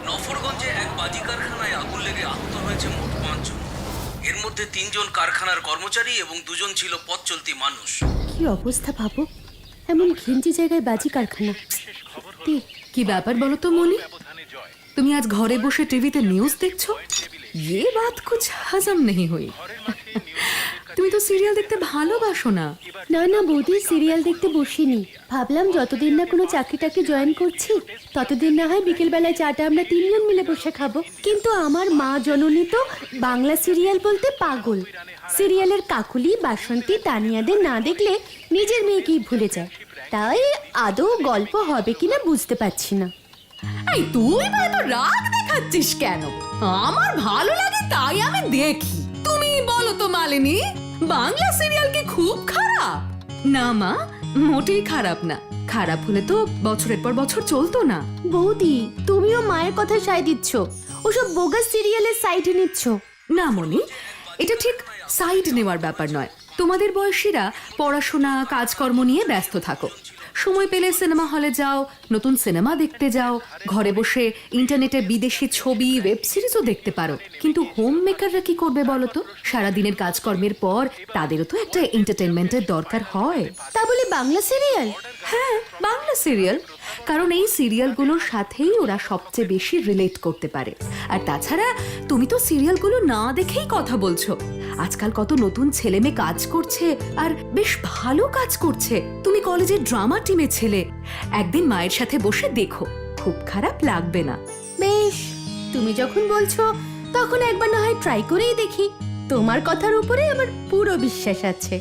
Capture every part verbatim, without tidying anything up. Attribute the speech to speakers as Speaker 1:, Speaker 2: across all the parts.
Speaker 1: নফরগঞ্জে এক বাজি কারখানায় আগুন লেগে আহত হয়েছে মোট পাঁচজন। এর মধ্যে তিনজন কারখানার কর্মচারী এবং দুজন ছিল পথ চলতি মানুষ।
Speaker 2: কি অবস্থা ভাবো, এমন ঘিঞ্জি জায়গায় বাজি কারখানা।
Speaker 3: কি ব্যাপার বলো তো মনি, তুমি আজ ঘরে বসে টিভিতে নিউজ দেখছো? ये बात कुछ हजम नहीं हुई। তুমি তো সিরিয়াল দেখতে ভালোবাসো না?
Speaker 2: না না বৌদি, সিরিয়াল দেখতে বসিনি। ভাবলাম যতদিন না কোনো চাকরিটাকে জয়েন করছি ততদিন না হয় বিকেল বেলায় চাটা আমরা তিনজন মিলে বসে খাবো। কিন্তু আমার মা জননী তো বাংলা সিরিয়াল বলতে পাগল। সিরিয়ালের কাকুলি, বাসন্তী, তানিয়াদের না দেখলে নিজের মেয়েকেই ভুলে যায়। তাই আদৌ গল্প হবে কিনা বুঝতে পারছি না।
Speaker 3: এই তুই বা এত রাগ দেখাচ্ছিস কেন? আমার ভালো লাগে তাই আমি দেখি। তুমি বলো তো মালিনী, বাংলা সিরিয়াল কি খুব খারাপ? না মা, মোটেই খারাপ না। খারাপ হলে তো বছরের পর বছর চলতো না।
Speaker 2: বৌদি, তুমিও মায়ের কথা সায় দিচ্ছ, ওসব বোগাস সিরিয়ালের সাইডে নিচ্ছ।
Speaker 3: না মনি, এটা ঠিক সাইড নেওয়ার ব্যাপার নয়। তোমাদের বয়সীরা পড়াশোনা কাজকর্ম নিয়ে ব্যস্ত থাকো, সময় পেলে সিনেমা হলে যাও, নতুন সিনেমা দেখতে যাও, ঘরে বসে ইন্টারনেটে বিদেশি ছবি, ওয়েব সিরিজও দেখতে পারো। কিন্তু হোম মেকাররা কি করবে বলো তো? সারাদিনের কাজকর্মের পর তাদেরও তো একটা এন্টারটেনমেন্টের দরকার হয়।
Speaker 2: তা বলে বাংলা সিরিয়াল?
Speaker 3: হ্যাঁ, বাংলা সিরিয়াল, কারণ এই সিরিয়ালগুলোর সাথেই ওরা সবচেয়ে বেশি রিলেট করতে পারে। আর তাছাড়া তুমি তো সিরিয়ালগুলো না দেখেই কথা বলছো। আজকাল কত নতুন ছেলে মেয়ে কাজ করছে, আর বেশ ভালো কাজ করছে। তুমি কলেজের ড্রামা টিমে ছেলে, একদিন মায়ের সাথে বসে দেখো, খুব খারাপ লাগবে না।
Speaker 2: বেশ, তুমি যখন বলছো তখন একবার না হয় ট্রাই করেই দেখি। তোমার কথার উপরে আমার পুরো বিশ্বাস আছে।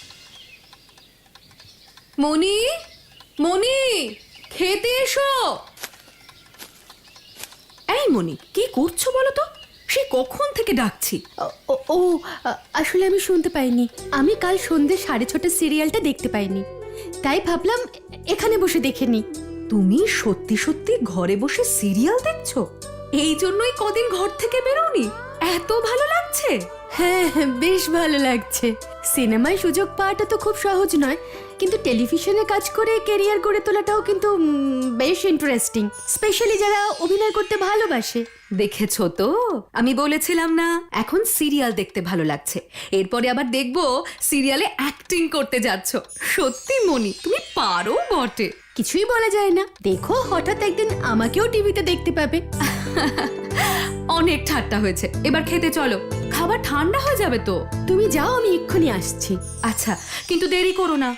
Speaker 3: মনি, মনি, খেতে এসো। এই মনি, কি করছো বলো তো? সে কখন থেকে ডাকছি।
Speaker 2: ও ও আসলে আমি শুনতে পাইনি। আমি কাল সন্ধ্যে সাড়ে ছটার সিরিয়ালটা দেখতে পাইনি, তাই ভাবলাম এখানে বসে দেখে নি।
Speaker 3: তুমি সত্যি সত্যি ঘরে বসে সিরিয়াল দেখছো? এই জন্যই কদিন ঘর থেকে বেরোনি? এত ভালো লাগছে?
Speaker 2: হ্যাঁ, বেশ ভালো লাগছে। সিনেমায় সুযোগ পাওয়াটা তো খুব সহজ নয়, কিন্তু টেলিভিশনে কাজ করে ক্যারিয়ার গড়ে তোলাটাও কিন্তু বেশ ইন্টারেস্টিং, স্পেশালি যারা অভিনয় করতে ভালোবাসে।
Speaker 3: দেখেছো তো, আমি বলেছিলাম না এখন সিরিয়াল দেখতে ভালো লাগছে। এরপরে আবার দেখবো সিরিয়ালে অ্যাক্টিং করতে যাচ্ছ। সত্যি মনি, তুমি পারো বটে।
Speaker 2: কিছুই বলা যায় না, দেখো হঠাৎ একদিন আমাকেও টিভিতে দেখতে পাবে।
Speaker 3: অনেক ঠাট্টা হয়েছে, এবার খেতে চলো, খাবার ঠান্ডা হয়ে যাবে তো।
Speaker 2: তুমি যাও, আমি এক্ষুনি আসছি।
Speaker 3: আচ্ছা, কিন্তু দেরি করো না।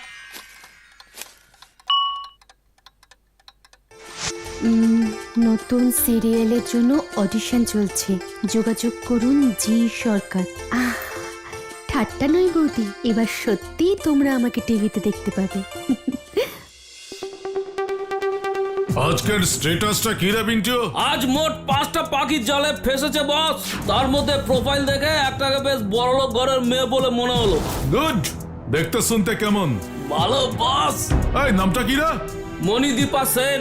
Speaker 2: নতুন সিরিয়ালের জন্য অডিশন চলছে, যোগাযোগ করুন জি সরকার। আহ, ঠাট্টা নয় বৌদি, এবার সত্যি তোমরা আমাকে টিভিতে দেখতে পাবে।
Speaker 4: আজকের স্ট্যাটাসটা কি রে বিন্টু?
Speaker 1: আজ মোট পাঁচটা পাখি জালে ফেসেছে বস। তার মধ্যে প্রোফাইল দেখে একটাকে বেশ বড়লোক ঘরের মেয়ে বলে মনে হলো।
Speaker 4: গুড, দেখতে শুনতে কেমন?
Speaker 1: ভালো বস।
Speaker 4: এই নামটা কি রে?
Speaker 1: Manidipa Sen.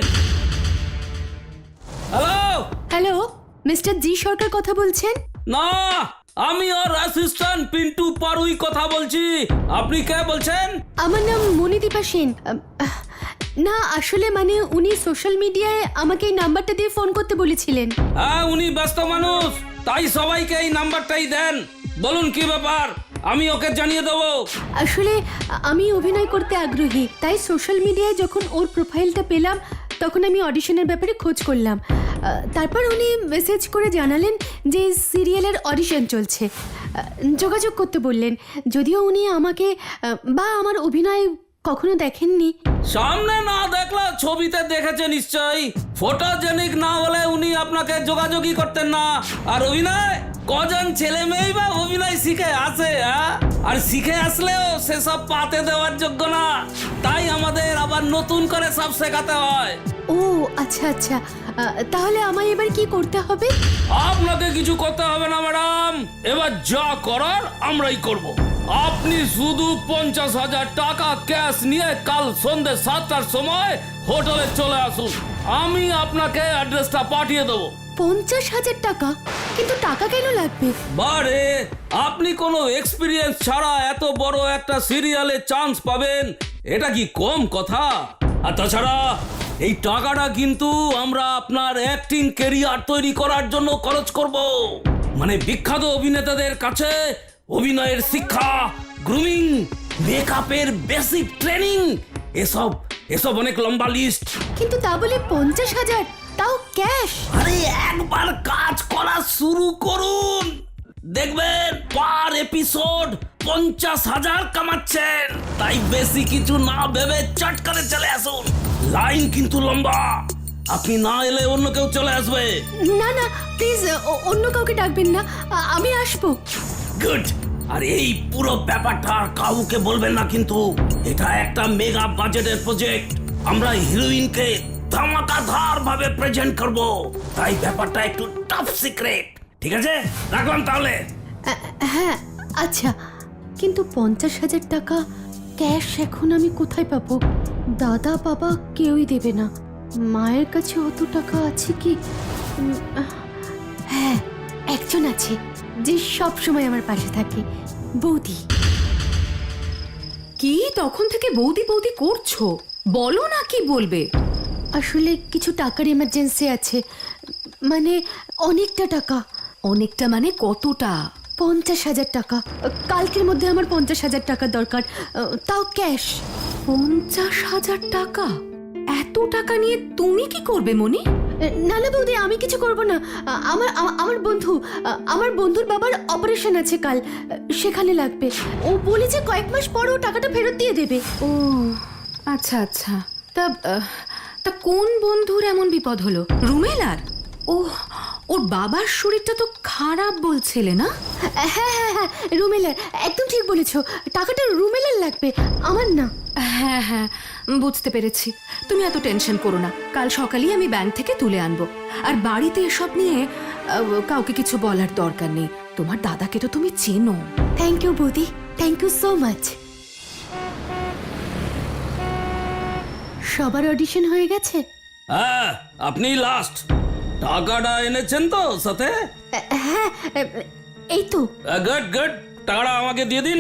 Speaker 1: Hello
Speaker 2: hello, mister G Sarkar কথা বলছেন?
Speaker 1: না, আমি ওর অ্যাসিস্ট্যান্ট পিন্টু পারুই কথা বলছি। আপনি কে বলছেন?
Speaker 2: আমার নাম মণিদীপা সেন। আম, আহ, না আসলে মানে উনি সোশ্যাল মিডিয়ায় আমাকে এই নাম্বারটা দিয়ে ফোন করতে বলেছিলেন।
Speaker 1: হ্যাঁ, উনি ব্যস্ত মানুষ, তাই সবাইকে এই নাম্বারটাই দেন। বলুন কি ব্যাপার, আমি ওকে জানিয়ে দেবো।
Speaker 2: আসলে আমি অভিনয় করতে আগ্রহী, তাই সোশ্যাল মিডিয়ায় যখন ওর প্রোফাইলটা পেলাম তখন আমি অডিশনের ব্যাপারে খোঁজ করলাম। তারপর উনি মেসেজ করে জানালেন যে সিরিয়ালের অডিশন চলছে, যোগাযোগ করতে বললেন। যদিও উনি আমাকে বা আমার অভিনয় কখনো দেখেননি।
Speaker 1: সামনে না দেখলে ছবিতে দেখেছে নিশ্চয়ই। ফটোজেনিক না হলে উনি আপনাকে যোগাযোগই করতেন না। আর অভিনয়, কজন ছেলে মেয়েই বা অভিনয় শিখে আসে, আর শিখে আসলেও সেসব পাতে দেওয়ার যোগ্য না। তাই আমাদের আবার নতুন করে সব শেখাতে হয়।
Speaker 2: ও আচ্ছা আচ্ছা, তাহলে আমায় এবার কি করতে হবে?
Speaker 1: আপনাকে কিছু করতে হবে না ম্যাডাম, এবার যা করার আমরাই করব। আপনি শুধু পঞ্চাশ হাজার টাকা ক্যাশ নিয়ে কাল সন্ধ্যে সাতটার সময় হোটেলে চলে আসুন। আমি আপনাকে অ্যাড্রেসটা পাঠিয়ে দেবো।
Speaker 2: পঞ্চাশ হাজার টাকা? কিন্তু টাকা কেন লাগবে?
Speaker 1: বারে, আপনি কোনো এক্সপিরিয়েন্স ছাড়া এত বড় একটা সিরিয়ালে চান্স পাবেন, এটা কি কম কথা? আর তাছাড়া এই টাকাটা কিন্তু আমরা আপনার অ্যাক্টিং ক্যারিয়ার তৈরি করার জন্য খরচ করব। মানে বিখ্যাত অভিনেতাদের কাছে অভিনয়ের শিক্ষা, গ্রুমিং, মেকআপের বেসিক ট্রেনিং, এসব এসব অনেক লম্বা লিস্ট।
Speaker 2: কিন্তু তা বলে পঞ্চাশ হাজার, তাও ক্যাশ।
Speaker 1: আরে একবার কাজ করা শুরু করুন, দেখবেন পার এপিসোড পঞ্চাশ হাজার কামাচ্ছেন। তাই বেশি কিছু না ভেবে চট করে চলে আসুন। লাইন কিন্তু লম্বা, আপনি না এলে অন্য কেউ চলে আসবে।
Speaker 2: না না প্লিজ, অন্য কাউকে ডাকবেন না, আ- আমি আসবো।
Speaker 1: গুড। আর এই পুরো ব্যাপারটা আর কাউকে বলবেন না, কিন্তু এটা একটা মেগা বাজেটের প্রজেক্ট। আমরা হিরোইনকে ধামাকাধার ভাবে প্রেজেন্ট করব, তাই ব্যাপারটা একটু টপ সিক্রেট। ঠিক আছে, রাখলাম তাহলে।
Speaker 2: আ- হ্যাঁ আচ্ছা, কিন্তু পঞ্চাশ হাজার টাকা ক্যাশ এখন আমি কোথায় পাবো? দাদা বাবা কেউই দেবে না। মায়ের কাছে অত টাকা আছে কি? উম, আহ, হ্যাঁ, একজন আছে যে সব সময় আমার পাশে থাকে, বৌদি।
Speaker 3: কি তখন থেকে বৌদি বৌদি করছো? বলো না কি বলবে।
Speaker 2: আসলে কিছু টাকার এমার্জেন্সি আছে, মানে অনেকটা টাকা।
Speaker 3: অনেকটা মানে কতটা?
Speaker 2: পঞ্চাশ হাজার টাকা। কালকের মধ্যে আমার পঞ্চাশ হাজার টাকা দরকার, তাও ক্যাশ।
Speaker 3: পঞ্চাশ হাজার টাকা? এত টাকা নিয়ে তুমি কি করবে মনি?
Speaker 2: না না বৌদি, আমি কিছু করব না। আমার আমা- আমার বন্ধু আমার বন্ধুর বাবার অপারেশন আছে কাল, সেখানে লাগবে। ও বলেছে কয়েক মাস পর ও টাকাটা ফেরত দিয়ে দেবে।
Speaker 3: ও আচ্ছা আচ্ছা। তা আহ, তা কোন বন্ধুর এমন বিপদ হলো? রুমেলার? ও, ওর বাবার শরীরটা তো খারাপ বলছিলে না?
Speaker 2: হ্যাঁ হ্যাঁ হ্যাঁ, রুমেলার, একদম ঠিক বলেছো। টাকাটা রুমেলার লাগবে, আমার না।
Speaker 3: হ্যাঁ হ্যাঁ, বুঝতে পেরেছি। তুমি এত টেনশন করো না, কাল সকালেই আমি ব্যাংক থেকে তুলে আনবো। আর বাড়িতে এসব নিয়ে আহ, কাউকে কিছু বলার দরকার নেই। তোমার দাদাকে তো তুমি চেনো।
Speaker 2: থ্যাংক ইউ বৌদি, থ্যাংক ইউ সো মাচ। সবার অডিশন হয়ে গেছে?
Speaker 1: হ্যাঁ, আপনি লাস্ট। টাকাটা এনেছেন তো সাথে?
Speaker 2: হ্যাঁ, এই তো।
Speaker 1: গুড গুড, টাকাটা আমাকে দিয়ে দিন।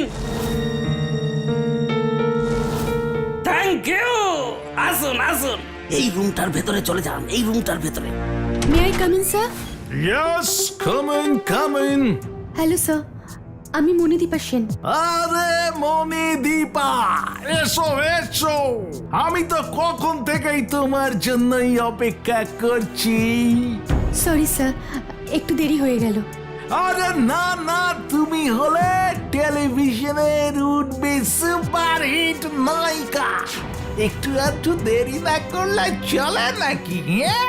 Speaker 1: Thank you. আসুন আসুন, এই রুমটার ভেতরে চলে যান, এই রুমটার ভেতরে।
Speaker 2: May I come in sir?
Speaker 4: Yes, come in, come in.
Speaker 2: Hello sir, আমি মণিদীপা সেন।
Speaker 5: আরে মণিদীপা, এসো এসো। আমি তো কখন থেকেই তোমার জন্যই অপেক্ষা করছি।
Speaker 2: সরি স্যার, একটু দেরি হয়ে গেল।
Speaker 5: আরে না না, তুমি হলে টেলিভিশনের উঠবে সুপারহিট নায়িকা। একটু একটু দেরি না করলে চলে নাকি?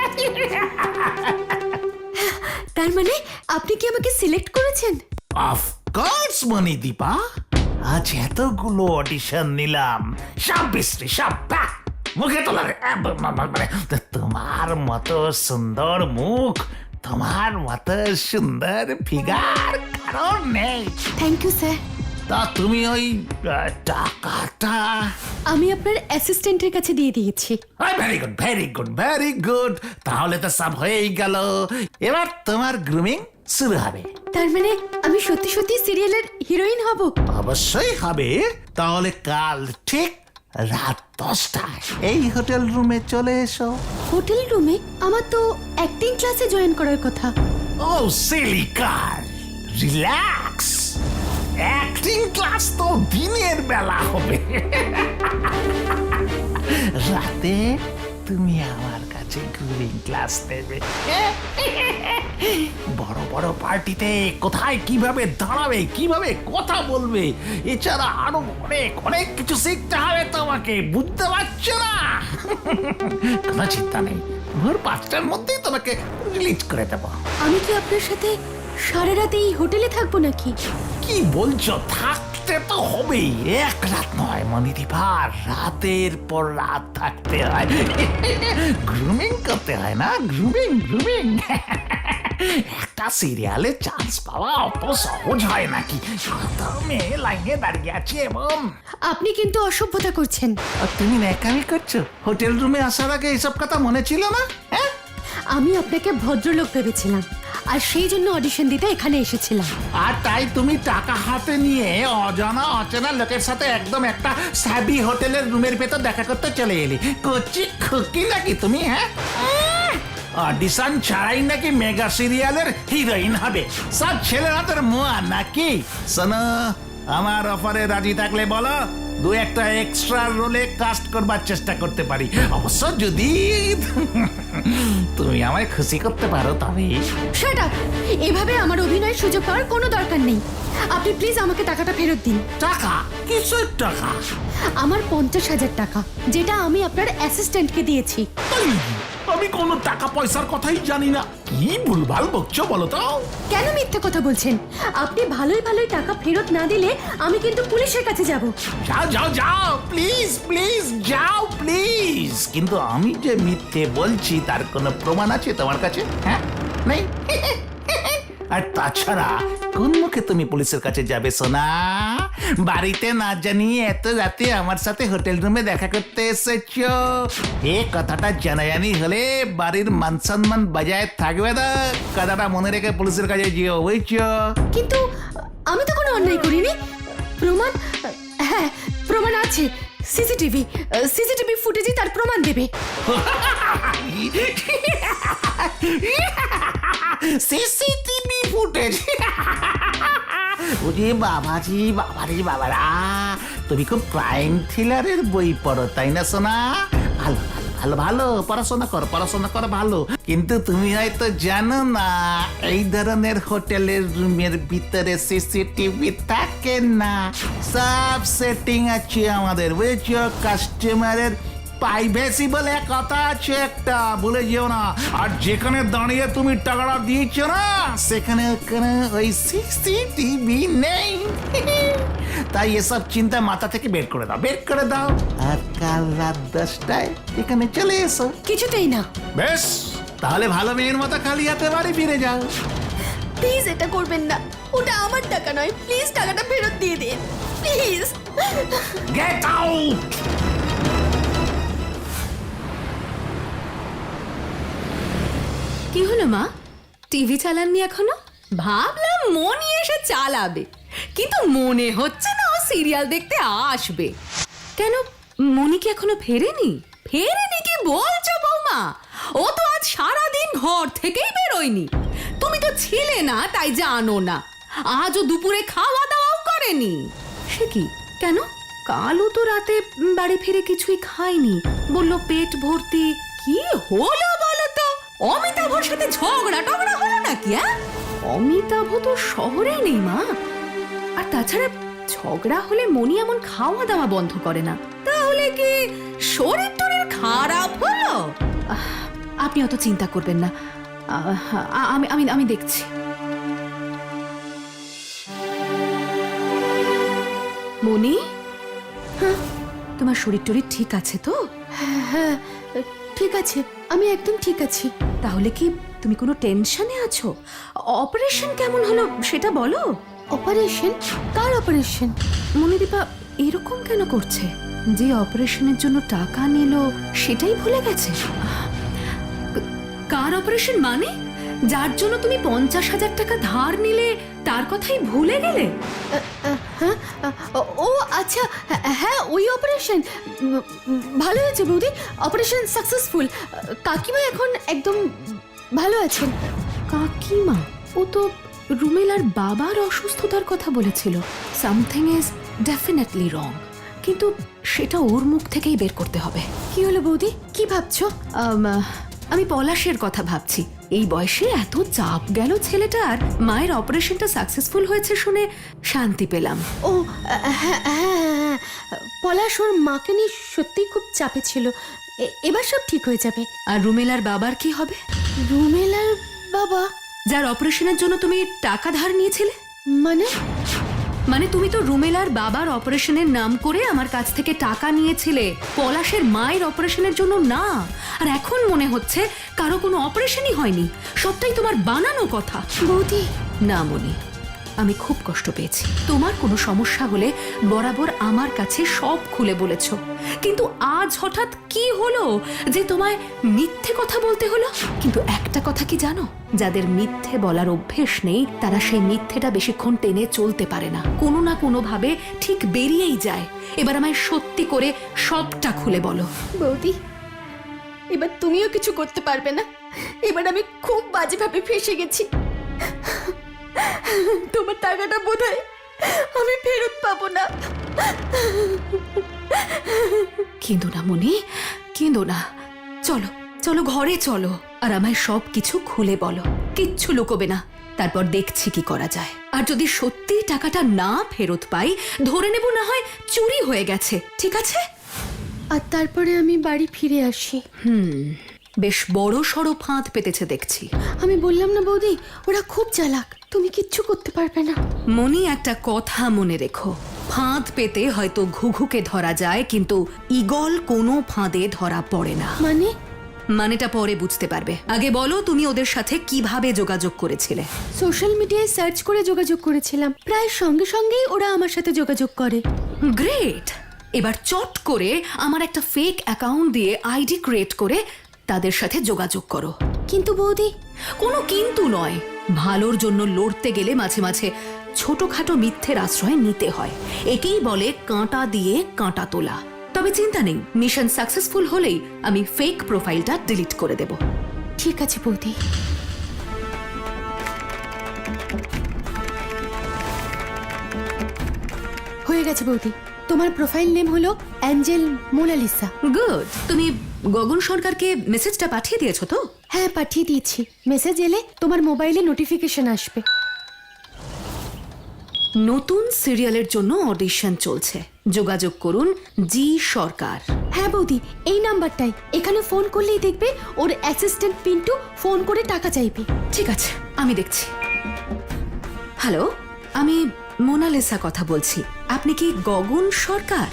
Speaker 2: তার মানে আপনি কি আমাকে সিলেক্ট করেছেন?
Speaker 5: অফকোর্স মণিদীপা, আজ এতগুলো অডিশন নিলাম, সব বিশ্রী, সব প্যাক। মুখে তোলার মানে তোমার মতো সুন্দর মুখ, তোমার মতো সুন্দর ফিগার কারণ নেই।
Speaker 2: Thank you sir.
Speaker 5: তা তুমি ওই আহ, টাকাটা?
Speaker 2: আমি আপনার অ্যাসিস্ট্যান্টের কাছে দিয়ে দিয়েছি।
Speaker 5: Very good, very good, very good. তাহলে তো সব হয়েই গেল। এবার তোমার গ্রুমিং শুরু হবে।
Speaker 2: তার মানে আমি সত্যি সত্যি সিরিয়ালের হিরোইন হব?
Speaker 5: অবশ্যই হবে। তাহলে কাল ঠিক রাত দশটায় এই হোটেল রুমে চলে এসো।
Speaker 2: হোটেল রুমে? আমার তো অ্যাক্টিং ক্লাসে জয়েন করার কথা।
Speaker 5: ও সিলিকার, রিল্যাক্স। অ্যাক্টিং ক্লাস তো দিনের বেলা হবে। রাতে তুমি আমার কাছে গ্রুমিং ক্লাস নেবে। বড় বড় পার্টিতে কোথায় কিভাবে দাঁড়াবে, কিভাবে কথা বলবে, এছাড়া আরো অনেক অনেক কিছু শিখতে হবে তোমাকে, বুঝতে পারছো না? কোনো চিন্তা নেই, ভোর পাঁচটার মধ্যেই তোমাকে রিলিজ করে দেবো।
Speaker 2: আমি কি আপনার সাথে সারা রাত এই হোটেলে থাকবো নাকি?
Speaker 5: কি বলছো? থাকতে তো হবেই, এক রাত নয় মণিদীপা, রাতের পর রাত থাকতে হয়। গ্রুমিং করতে হয় না, গ্রুমিং গ্রুমিং। একটা সিরিয়ালে চান্স পাওয়া অত সহজ হয় নাকি? কত মেয়ে লাইনে দাঁড়িয়ে আছে। এবং
Speaker 2: আপনি কিন্তু অসভ্যতা করছেন।
Speaker 5: আর তুমি ন্যাকামি করছো? হোটেল রুমে আসার আগে এসব কথা মনে ছিল না? হ্যাঁ,
Speaker 2: আমি আপনাকে ভদ্রলোক ভেবেছিলাম, আর সেই জন্য অডিশন দিতে এখানে এসেছিলাম।
Speaker 5: আর তাই তুমি টাকা হাতে নিয়ে অজানা অচেনা লোকের সাথে একদম একটা সাবি হোটেলের রুমের ভেতর দেখা করতে চলে এলি। কচি খুকি নাকি তুমি? হ্যাঁ, অডিশন ছাড়াই নাকি মেগা সিরিয়ালের হিরোইন হবে? সব ছেলেরা তোর মোয়া নাকি? শোনো, আমার অফারে রাজি থাকলে বলো, দু একটা এক্সট্রা রোলে কাস্ট করবার চেষ্টা করতে পারি। অবশ্য যদি তুমি আমায় খুশি করতে পারো তবে।
Speaker 2: Shut up! এভাবে আমার অভিনয়ের সুযোগ পাওয়ার কোনো দরকার নেই। আপনি প্লিজ আমাকে টাকাটা ফেরত দিন।
Speaker 5: টাকা? কিসের টাকা?
Speaker 2: আমার পঞ্চাশ হাজার টাকা, যেটা আমি আপনার অ্যাসিস্ট্যান্টকে দিয়েছি।
Speaker 5: এই, আমি কোনো টাকা পয়সার কথাই জানি না। কি ভুলভাল বকছো বলো তো?
Speaker 2: কেন মিথ্যে কথা বলছেন? আপনি ভালোই ভালোই টাকা ফেরত না দিলে আমি কিন্তু পুলিশের কাছে যাব।
Speaker 5: যাও যাও যাও, প্লিজ প্লিজ যাও প্লিজ। কিন্তু আমি যে মিথ্যে বলছি তার কোনো প্রমাণ আছে তোমার কাছে? হ্যাঁ, নেই। আর তাছাড়া কোন মুখে তুমি পুলিশের কাছে যাবে সোনা? বাড়িতে না জানিয়ে এত রাতে আমার সাথে হোটেল রুমে দেখা করতে এসেছো, এ কথাটা জানাজানি হলে বাড়ির মান সম্মান বজায় থাকবে না। কথাটা মনে রেখে পুলিশের কাছে যেও, বুঝছো?
Speaker 2: কিন্তু আমি তো কোনো অন্যায় করিনি। প্রমাণ? হ্যাঁ, প্রমাণ আছে। সিসিটিভি সিসিটিভি ফুটেজই তার প্রমাণ দেবে।
Speaker 5: CCTV footage? ওরে বাবাজি, বাবারে বাবারা, তুমি খুব ক্রাইম থ্রিলারের বই পড়ো তাই না সোনা? ভালো ভালো ভালো ভালো পড়াশোনা করো, পড়াশোনা করো ভালো। কিন্তু তুমি হয়তো জানো না, এই ধরনের হোটেলের রুমের ভিতরে সিসিটিভি থাকে না। সব সেটিং আছে আমাদের, বুঝছো? কাস্টমারের প্রাইভেসি বলে কথা আছে একটা, ভুলে যেও না। আর যেখানে দাঁড়িয়ে তুমি টাকাটা দিয়েছো না, সেখানে ওখানে ওই সিসিটিভি নেই। তাই এসব চিন্তা মাথা থেকে বের করে দাও, বের করে দাও। আর কাল রাত দশটায় এখানে চলে এসো।
Speaker 2: কিছুতেই না।
Speaker 5: বেশ, তাহলে ভালো মেয়ের মতো খালি হাতে বাড়ি ফিরে যাও।
Speaker 2: প্লিজ এটা করবেন না, ওটা আমার টাকা নয়। প্লিজ টাকাটা ফেরত দিয়ে দিন, প্লিজ।
Speaker 5: Get out!
Speaker 3: কি হলো মা, টিভি চালাননি এখনো? ভাবলাম মনি এসে চালাবে, কিন্তু মনে হচ্ছে না ও সিরিয়াল দেখতে আসবে। কেন, মনি কি এখনো ফেরেনি? ফেরেনি কি বলছো বৌমা? ও তো আজ সারাদিন ঘর থেকেই বেরোয়নি। তুমি তো ছিলে না তাই জানো না। আজও দুপুরে খাওয়া দাওয়াও করেনি। সে কি, কেন? কালও তো রাতে বাড়ি ফিরে কিছুই খায়নি, বলল পেট ভর্তি। কি হলো বলো তো? অমিতাভর সাথে ঝগড়া টগড়া হলো নাকি? হ্যাঁ, অমিতাভ তো শহরে নেই মা। আর তাছাড়া ঝগড়া হলে মনি এমন খাওয়া দাওয়া বন্ধ করে না। তাহলে কি শরীর টরীর খারাপ হলো? আহ, আপনি অত চিন্তা করবেন না, আহ, আমি আমি আমি দেখছি। মনি, হ্যাঁ, তোমার শরীর টরীর ঠিক আছে তো?
Speaker 2: হ্যাঁ, ঠিক আছে, আমি একদম ঠিক আছি।
Speaker 3: তাহলে কি তুমি কোনো টেনশনে আছো? অপারেশন কেমন হলো সেটা বলো।
Speaker 2: অপারেশন? কার অপারেশন?
Speaker 3: মনিদীপা এরকম কেন করছে? যে অপারেশনের জন্য টাকা নিল সেটাই ভুলে গেছে? কার অপারেশন মানে? যার জন্য তুমি পঞ্চাশ হাজার টাকা ধার নিলে তার কথাই ভুলে গেলে?
Speaker 2: হ্যাঁ, ও আচ্ছা, হ্যাঁ ওই অপারেশন। ভালো হয়েছে বৌদি, অপারেশন সাকসেসফুল। কাকিমা এখন একদম ভালো আছেন।
Speaker 3: কাকিমা? ও তো রুমেলার বাবার অসুস্থতার কথা বলেছিল। সামথিং ইজ ডেফিনেটলি রং, কিন্তু সেটা ওর মুখ থেকেই বের করতে হবে।
Speaker 2: কি হলো বৌদি, কি ভাবছো?
Speaker 3: আম, আমি পলাশের কথা ভাবছি। এই বয়সে এত চাপ গেল ছেলেটার। মায়ের অপারেশনটা সাকসেসফুল হয়েছে শুনে শান্তি পেলাম।
Speaker 2: ও হ্যাঁ হ্যাঁ, পলাশ ওর মাকে নিয়ে সত্যিই খুব চাপে ছিল। এ- এবার সব ঠিক হয়ে যাবে।
Speaker 3: আর রুমেলার বাবার কি হবে?
Speaker 2: রুমেলার বাবা?
Speaker 3: যার অপারেশনের জন্য তুমি টাকা ধার নিয়েছিলে।
Speaker 2: মানে?
Speaker 3: মানে তুমি তো রুমেলার বাবার অপারেশনের নাম করে আমার কাছ থেকে টাকা নিয়েছিলে, পলাশের মায়ের অপারেশনের জন্য না। আর এখন মনে হচ্ছে কারো কোনো অপারেশনই হয়নি, সবটাই তোমার বানানো কথা।
Speaker 2: বৌদি,
Speaker 3: না মনি, আমি খুব কষ্ট পেয়েছি। তোমার কোনো সমস্যা হলে বরাবর আমার কাছে সব খুলে বলেছো, কিন্তু আজ হঠাৎ কি হলো যে তোমায় মিথ্যে কথা বলতে হলো? কিন্তু একটা কথা কি জানো, যাদের মিথ্যে বলার অভ্যেস নেই তারা সেই মিথ্যেটা বেশিক্ষণ টেনে চলতে পারে না, কোনো না কোনো ভাবে ঠিক বেরিয়েই যায়। এবার আমায় সত্যি করে সবটা খুলে বলো।
Speaker 2: বৌদি, এবার তুমিও কিছু করতে পারবে না। এবার আমি খুব বাজেভাবে ফেসে গেছি। তোমার টাকাটা বোধহয় আমি ফেরত পাবো না।
Speaker 3: কেঁদো না মনি, কেঁদো না। চলো চলো ঘরে চলো, আর আমায় সব কিছু খুলে বলো, কিচ্ছু লুকোবে না। তারপর দেখছি কি করা যায়। আর যদি সত্যি টাকাটা না ফেরত পাই, ধরে নেব না হয় চুরি হয়ে গেছে, ঠিক আছে?
Speaker 2: আর তারপরে আমি বাড়ি ফিরে আসি।
Speaker 3: হুম, বেশ বড় সড়ো ফাঁদ পেতেছে দেখছি।
Speaker 2: আমি বললাম না বৌদি, ওরা খুব চালাক, তুমি কিচ্ছু করতে পারবে না।
Speaker 3: মনি, একটা কথা মনে রেখো, ফাঁদ পেতে হয়তো ঘুঘুকে ধরা যায়, কিন্তু ঈগল কোনো ফাঁদে ধরা পড়ে না।
Speaker 2: মানে?
Speaker 3: মানেটা পরে বুঝতে পারবে। আগে বলো, তুমি ওদের সাথে কিভাবে যোগাযোগ করেছিলে?
Speaker 2: সোশ্যাল মিডিয়ায় সার্চ করে যোগাযোগ করেছিলাম, প্রায় সঙ্গে সঙ্গেই ওরা আমার সাথে যোগাযোগ করে।
Speaker 3: গ্রেট! এবার চট করে আমার একটা ফেক অ্যাকাউন্ট দিয়ে আইডি ক্রিয়েট করে তাদের সাথে যোগাযোগ করো।
Speaker 2: কিন্তু বৌদি,
Speaker 3: কোনো কিন্তু নয়, ভালোর জন্য লড়তে গেলে মাঝে মাঝে ছোটখাটো মিথ্যের আশ্রয় নিতে হয়। একেই বলে কাঁটা দিয়ে কাঁটা তোলা। তবে চিন্তা নেই, মিশন সাকসেসফুল হলেই আমি ফেক প্রোফাইলটা ডিলিট করে দেব।
Speaker 2: ঠিক আছে বৌদি। হয়ে গেছে বৌদি, তোমার প্রোফাইল নেম হলো অ্যাঞ্জেল মোনালিসা।
Speaker 3: গুড। তুমি গগন সরকারকে মেসেজটা পাঠিয়ে দিয়েছো তো?
Speaker 2: হ্যাঁ, পাঠিয়ে দিয়েছি। মেসেজ এলে তোমার মোবাইলে নোটিফিকেশন আসবে।
Speaker 3: নতুন সিরিয়ালের জন্য অডিশন চলছে, যোগাযোগ করুন জি সরকার।
Speaker 2: হ্যাঁ বৌদি, এই নাম্বারটাই। এখানে ফোন করলেই দেখবে ওর অ্যাসিস্ট্যান্ট পিন্টু ফোন করে টাকা চাইবে।
Speaker 3: ঠিক আছে, আমি দেখছি। হ্যালো, আমি মোনালিসা কথা বলছি। আপনি কি গগন সরকার?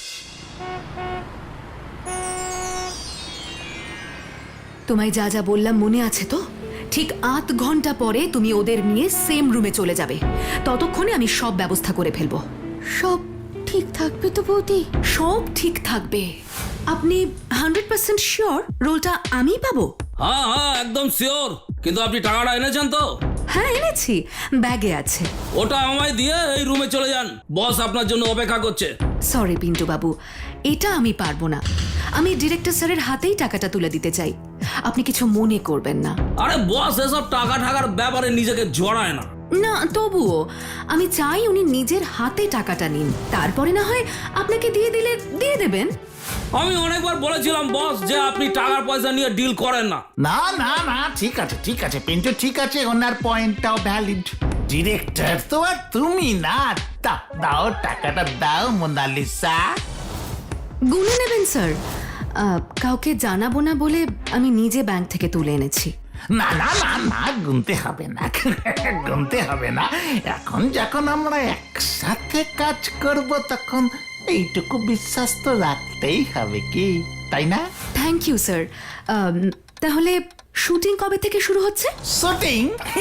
Speaker 3: তোমায় যা যা বললাম মনে আছে তো? ঠিক আধ ঘন্টা পরে তুমি ওদের নিয়ে সেম রুমে চলে যাবে। ততক্ষণে আমি সব ব্যবস্থা করে ফেলবো।
Speaker 2: সব ঠিক থাকবে তো বৌদি?
Speaker 3: সব ঠিক থাকবে। আপনি হান্ড্রেড পার্সেন্ট শিওর রোলটা আমি পাবো?
Speaker 1: হ্যাঁ হ্যাঁ, একদম শিওর। কিন্তু আপনি টাকাটা এনেছেন তো?
Speaker 3: হ্যাঁ, এনেছি, ব্যাগে আছে।
Speaker 1: ওটা আমায় দিয়ে এই রুমে চলে যান, বস আপনার জন্য অপেক্ষা করছে।
Speaker 3: সরি পিন্টু বাবু, এটা আমি পারবো না। আমি ডিরেক্টর স্যারের হাতেই টাকাটা তুলে দিতে চাই, আপনি কিছু মনে করবেন না।
Speaker 1: আরে বস এসব টাকা টাকার ব্যাপারে নিজেকে জড়ায় না।
Speaker 3: না, তবুও আমি চাই উনি নিজের হাতে টাকাটা নিন, তারপরে না হয় আপনাকে দিয়ে দিলে দিয়ে দেবেন।
Speaker 1: আমি অনেকবার বলেছিলাম বস যে আপনি টাকার পয়সা নিয়ে ডিল করেন না।
Speaker 5: না না না, ঠিক আছে ঠিক আছে পিন্টু, ঠিক আছে, ওনার পয়েন্টটাও ভ্যালিড। ডিরেক্টর তো আর তুমি না। দাও দাও, টাকাটা দাও মোনালিসা।
Speaker 3: গুনে নেবেন স্যার, আহ, কাউকে জানাবো না বলে আমি নিজে ব্যাংক থেকে তুলে এনেছি।
Speaker 5: না না না না, গুনতে হবে না, গুনতে হবে না। এখন যখন আমরা একসাথে কাজ করব তখন এইটুকু বিশ্বাস তো রাখতেই হবে, কি তাই না?
Speaker 3: Thank you sir. তাহলে শুটিং কবে থেকে শুরু হচ্ছে?
Speaker 5: শুটিং?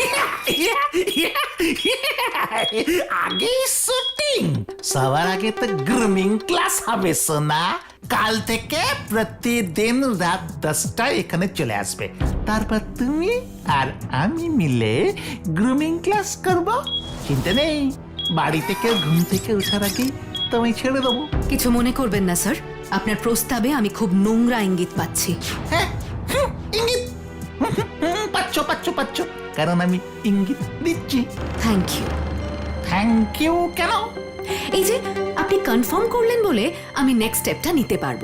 Speaker 5: আগে শুটিং, সবার আগে তো গ্রুমিং ক্লাস হবে সোনা। কাল থেকে প্রতিদিন রাত দশটায় এখানে চলে আসবে। তারপর তুমি আর আমি মিলে গ্রুমিং ক্লাস করব। চিন্তা নেই, বাড়ি থেকে ঘুম থেকে ওঠার আগেই তোমায় ছেড়ে দেবো।
Speaker 3: কিছু মনে করবেন না স্যার, আপনার প্রস্তাবে আমি খুব নোংরা ইঙ্গিত পাচ্ছি।
Speaker 5: হ্যাঁ, হুম, ইঙ্গিত হুম, হুম, পাচ্ছ পাচ্ছ পাচ্ছ, কারণ আমি ইঙ্গিত দিচ্ছি।
Speaker 3: Thank you.
Speaker 5: থ্যাংক ইউ কেন?
Speaker 3: এই যে আপনি কনফার্ম করলেন বলে আমি নেক্সট স্টেপটা নিতে পারবো।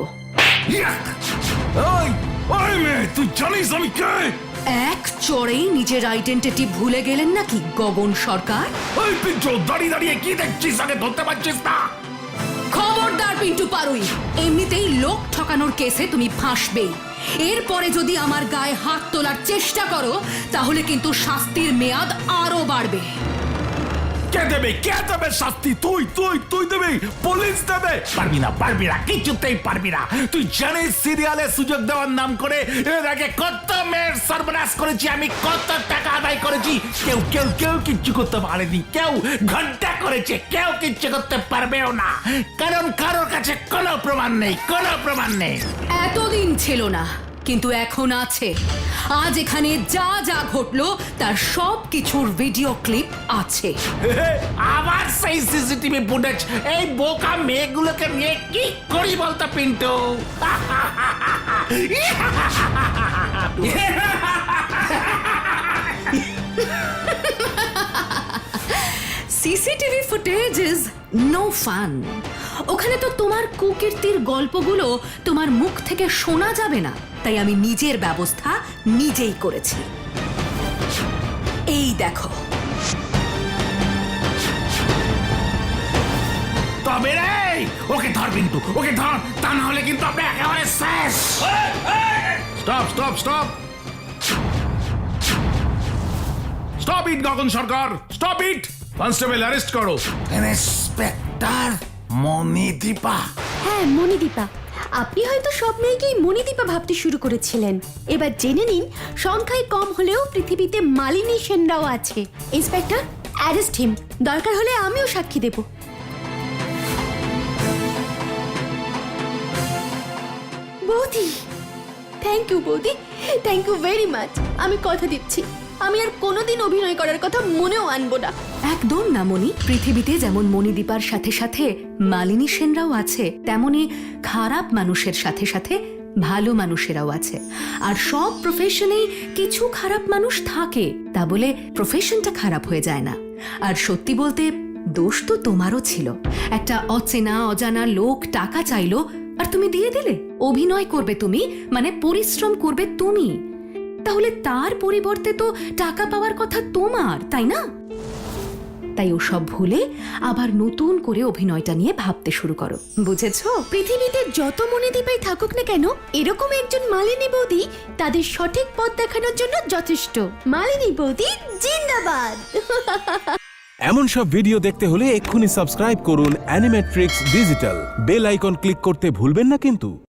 Speaker 4: ওই ওই মেয়ে, তুই জানিস আমি কে?
Speaker 3: এক চড়েই নিজের আইডেন্টিটি ভুলে গেলেন নাকি গগন সরকার?
Speaker 4: ওই পিন্টু, দাঁড়িয়ে দাঁড়িয়ে কি দেখছিস? আগে ধরতে পারছিস না?
Speaker 3: খবরদার পিন্টু পারুই, এমনিতেই লোক ঠকানোর কেসে তুমি ফাঁসবেই। এরপরে যদি আমার গায়ে হাত তোলার চেষ্টা করো তাহলে কিন্তু শাস্তির মেয়াদ আরো বাড়বে।
Speaker 5: কে দেবে কে দেবে শাস্তি? তুই তুই তুই দেবে, পুলিশ দেবে? পারবি না পারবি না, কিছুতেই পারবি না। তুই জানিস সিরিয়ালে সুযোগ দেওয়ার নাম করে এর আগে কত মেয়ের সর্বনাশ করেছি আমি, কত টাকা আদায় করেছি। কেউ কেউ কেউ কিচ্ছু করতে পারেনি, কেউ ঘন্টা করেছে, কেউ কিচ্ছু করতে পারবেও না, কারণ কারোর কাছে কোনো প্রমাণ নেই, কোনো প্রমাণ নেই।
Speaker 3: এতদিন ছিল না, কিন্তু এখন আছে। আজ এখানে যা যা ঘটলো তার সব কিছুর ভিডিও ক্লিপ আছে।
Speaker 5: আবার সেই সিসিটিভি ফুটেজ, এই বোকা মেয়েগুলোকে নিয়ে কি করি বলতো Pintu?
Speaker 3: CCTV footage is no fun. ওখানে তো তোমার কুকীর্তির গল্পগুলো তোমার মুখ থেকে শোনা যাবে না, তাই আমি নিজের ব্যবস্থা নিজেই করেছি। এই দেখো।
Speaker 5: তবে রে, ওকে ধর পিন্টু, ওকে ধর, তা না হলে কিন্তু আপনি একেবারে শেষ।
Speaker 4: Stop stop stop stop it Gagan Sarkar, stop it. Constable arrest করো।
Speaker 5: ইন্সপেক্টর মণিদীপা।
Speaker 2: হ্যাঁ মণিদীপা, আপনি হয়তো সব মেয়েকেই মণিদীপা ভাবতে শুরু করেছিলেন। এবার জেনে নিন, সংখ্যায় কম হলেও পৃথিবীতে মালিনী সেনরাও আছে। Inspector, arrest him. দরকার হলে আমিও সাক্ষী দেব। বৌদি, থ্যাংক ইউ বৌদি, থ্যাংক ইউ ভেরি মাচ। আমি কথা দিচ্ছি, আমি আর কোনোদিন অভিনয় করার কথা মনেও আনবো না।
Speaker 3: একদম না মণি। পৃথিবীতে যেমন মণিদীপার সাথে সাথে মালিনী সেনরাও আছে, তেমনি খারাপ মানুষের সাথে সাথে ভালো মানুষেরাও আছে। আর সব প্রফেশনেই কিছু খারাপ মানুষ থাকে, তা বলে প্রফেশনটা খারাপ হয়ে যায় না। আর সত্যি বলতে দোষ তো তোমারও ছিল। একটা অচেনা অজানা লোক টাকা চাইলো আর তুমি দিয়ে দিলে। অভিনয় করবে তুমি, মানে পরিশ্রম করবে তুমি, তাহলে তার পরিবর্তে তো টাকা পাওয়ার কথা তোমার, তাই না? তাই ওসব ভুলে আবার নতুন করে অভিনয়টা নিয়ে ভাবতে শুরু করো, বুঝেছো?
Speaker 2: পৃথিবীতে যত মণিদীপাই থাকুক না কেন, এরকম একজন মালিনী বৌদি তাদের সঠিক পথ দেখানোর জন্য যথেষ্ট। মালিনী বৌদি জিন্দাবাদ।
Speaker 6: এমন সব ভিডিও দেখতে হলে এক্ষুনি সাবস্ক্রাইব করুন Animatrix digital. Bell icon click করতে ভুলবেন না কিন্তু।